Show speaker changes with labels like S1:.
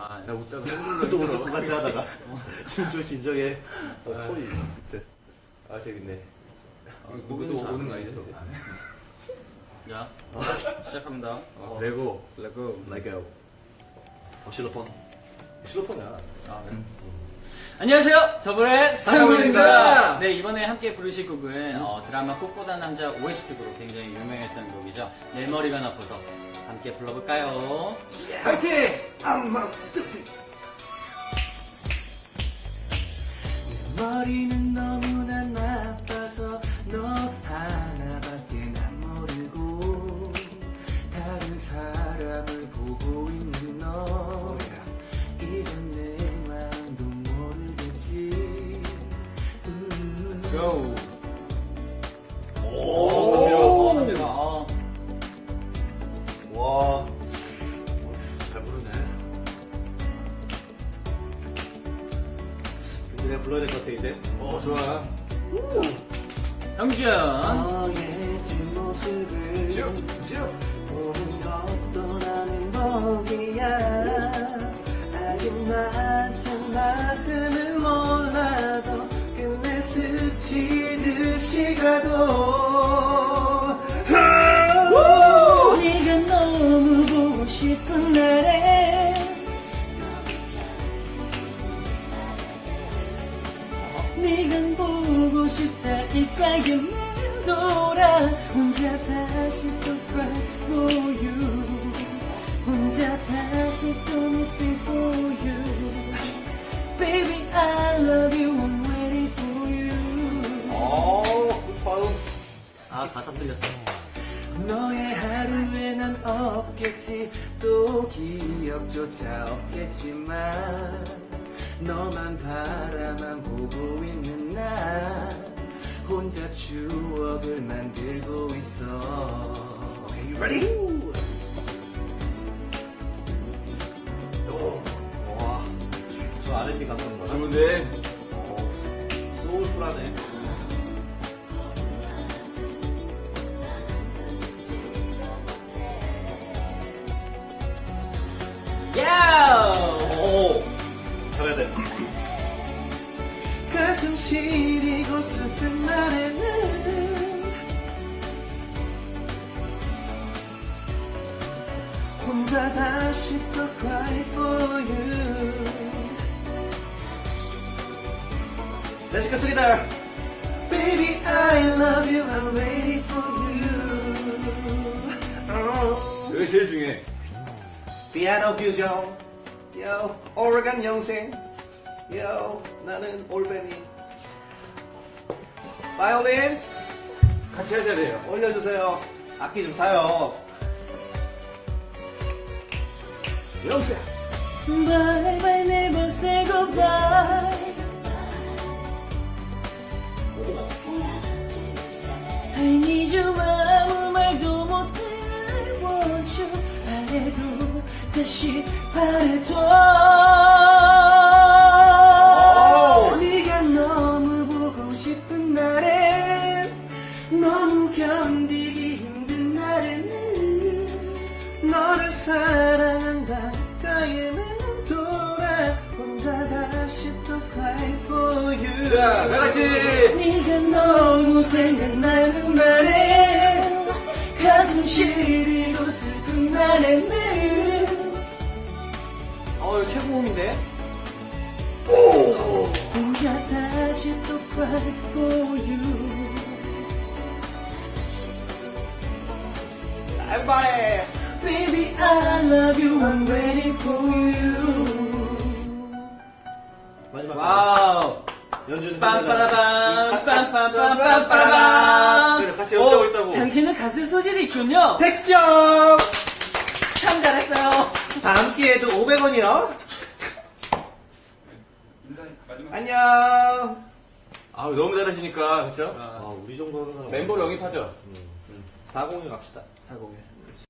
S1: 아, 나 웃다가 쌩
S2: 또 웃을 것 같이 하다가 지금 좀 진정해. 콜이.
S1: 아, 재밌네.
S3: 누구도
S1: 좀
S3: 오는 거
S1: 아는데,
S3: 아니죠?
S1: 이제.
S3: 자, 시작합니다.
S1: 레고.
S2: Lego. 실로폰. 실로폰이야.
S3: 아, 네. 안녕하세요, 더블의
S2: 상훈입니다.
S3: 상훈입니다. 네, 이번에 함께 부르실 곡은 드라마 꽃보다 남자 OST곡으로 굉장히 유명했던 곡이죠. 내 머리가 나빠서 함께 불러볼까요?
S1: 파이팅!
S2: 암막 스티프.
S3: 머리는 너무나 나빠서 너 하나밖에 난 모르고 다른 사람을 보고 있는 너 이런 내 마음도 모르겠지. Let's go.
S2: 오.
S3: 갑니다.
S2: 와. 잘 부르네. 이제 내가 불러야 될 것 같아, 이제.
S1: 좋아.
S3: 형준.
S2: 너의 뒷모습을
S1: 쭉.
S2: 보는 것도 나는 복이야. 아직 나의 마음을 몰라도 끝내 스치듯이 가도
S3: 네가 너무 보고 싶은 날에 네가 보고 싶다 이까지는 돌아 혼자 다시 또 cry for you 혼자 다시 또 missing for you Baby I love you I'm waiting for you
S2: 굿파음.
S3: 아 가사 틀렸어 너의 하루에 난 없겠지 또 기억조차 없겠지만 너만 바라만 보고 있는 나 혼자 추억을 만들고 있어
S2: Okay, you ready? 와, 저 R&B 감성 거야.
S1: 좋은데?
S2: 소울풀하네.
S3: 야!
S2: 오, 잘해야 돼. 가슴 시리고 슬픈 날에는 혼자 다시 또 cry for you. Let's go together. Baby, I love you. I'm waiting for you. Oh.
S1: 여기 제일 중요해.
S2: 피아노 규정, 요, 오르간 영생, 요, 나는 올빼미. 바이올린
S1: 같이 하셔야 돼요.
S2: 올려주세요. 악기 좀 사요. 영생.
S3: Bye bye never say goodbye I need you 아무 말도 못해 I want you 바래도 다시 바래도 네가 너무 보고 싶은 날에 너무 견디기 힘든 날에는
S2: 너를 사랑한다. 가에는 돌아. 혼자 다시 또 cry for you.
S1: 자, 다 같이.
S3: 네가 너무 생각나는 날에 가슴 시리고 슬픈 날에는 이거 최고음인데? 혼자 다시 또 cry for you
S2: Everybody.
S3: Baby I love you I'm waiting for you
S2: 마지막.
S3: 와우
S2: 연주는
S3: 빰빠라밤 빰빰빰빰빰빰
S1: 그래, 같이 연주하고 있다고.
S3: 당신은 가수의 소질이 있군요
S2: 100점.
S3: 참 잘했어요
S2: 다음 기회에도 500원이요. 안녕.
S1: 아, 너무 잘하시니까, 그쵸?
S2: 우리 정도 하는 사람
S1: 멤버로 영입하죠?
S2: 40에 갑시다.
S3: 사공에